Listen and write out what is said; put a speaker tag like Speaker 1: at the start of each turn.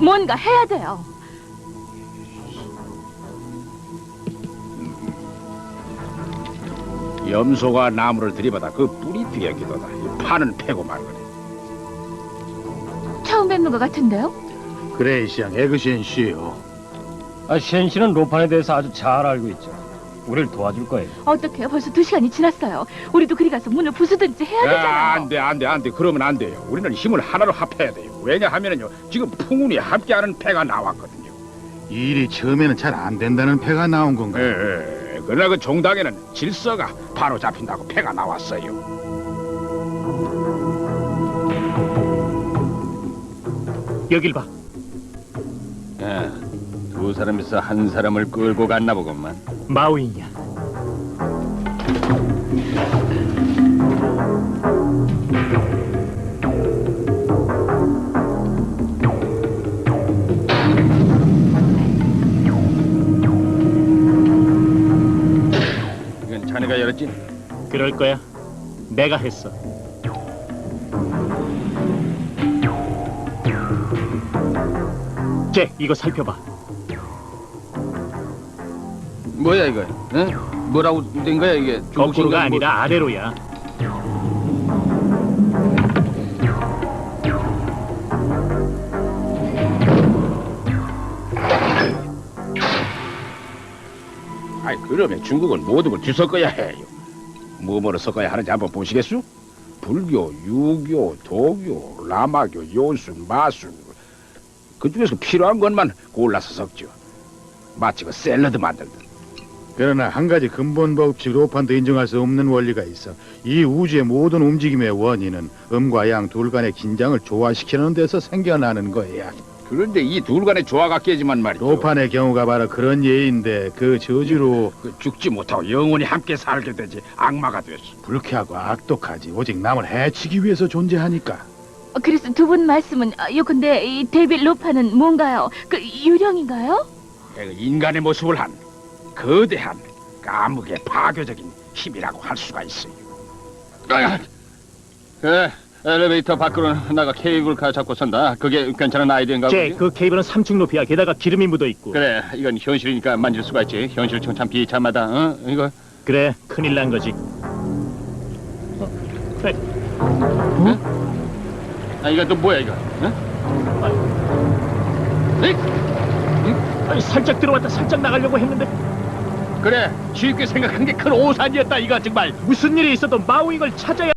Speaker 1: 뭔가 해야 돼요.
Speaker 2: 염소가 나무를 들이받아 그 뿌리 뒤에 기도다. 이 판은 패고 말거래.
Speaker 1: 처음 뵙는 것 같은데요?
Speaker 3: 그레이시앙 에그시엔 씨요.
Speaker 4: 셴 씨는 로판에 대해서 아주 잘 알고 있죠. 우리를 도와줄 거예요.
Speaker 1: 어떡해요? 벌써 2시간이 지났어요. 우리도 그리 가서 문을 부수든지 해야 되잖아요.
Speaker 2: 안 돼. 그러면 안 돼요. 우리는 힘을 하나로 합해야 돼요. 왜냐하면요, 지금 풍운이 함께하는 패가 나왔거든요.
Speaker 3: 이 일이 처음에는 잘 안 된다는 패가 나온 건가?
Speaker 2: 그러나 그 종당에는 질서가 바로 잡힌다고 패가 나왔어요.
Speaker 4: 여길 봐.
Speaker 5: 두 사람에서 한 사람을 끌고 갔나 보건만.
Speaker 4: 마우이냐.
Speaker 5: 이건 자네가 열었지?
Speaker 4: 그럴 거야. 내가 했어. 잭, 이거 살펴봐.
Speaker 5: 뭐야 이거? 응? 뭐라고 된 거야 이게?
Speaker 4: 거꾸로가 아니라 아래로야.
Speaker 2: 아이, 그러면 중국은 모든 걸 뒤섞어야 해요. 뭐뭐를 섞어야 하는지 한번 보시겠소? 불교, 유교, 도교, 라마교, 요순, 마순, 그중에서 필요한 것만 골라서 섞죠. 마치 그 샐러드 만들듯.
Speaker 3: 그러나 한 가지 근본 법칙 로판도 인정할 수 없는 원리가 있어. 이 우주의 모든 움직임의 원인은 음과 양 둘 간의 긴장을 조화시키는 데서 생겨나는 거야.
Speaker 2: 그런데 이 둘 간의 조화가 깨지만 말이죠.
Speaker 3: 로판의 경우가 바로 그런 예인데 그 저주로
Speaker 2: 그 죽지 못하고 영원히 함께 살게 되지 악마가 됐어.
Speaker 3: 불쾌하고 악독하지. 오직 남을 해치기 위해서 존재하니까.
Speaker 1: 그래서 두 분 말씀은 요컨대 이 데빌 로파는 뭔가요? 그 유령인가요?
Speaker 2: 그 인간의 모습을 한 거대한 까무게 파괴적인 힘이라고 할 수가 있어요.
Speaker 5: 그래, 엘리베이터 밖으로 나가 케이블카 잡고 선다. 그게 괜찮은 아이디어인가 보지?
Speaker 4: 잭, 그 케이블은 3층 높이야. 게다가 기름이 묻어 있고.
Speaker 5: 그래, 이건 현실이니까 만질 수가 있지. 현실은 참 비참하다. 어? 이거
Speaker 4: 그래, 큰일 난 거지. 그래.
Speaker 5: 이거 또 뭐야 이거? 응?
Speaker 4: 아니, 살짝 들어왔다 살짝 나가려고 했는데
Speaker 5: 그래, 쉽게 생각한 게 큰 오산이었다 이거 정말.
Speaker 4: 무슨 일이 있어도 마우잉을 찾아야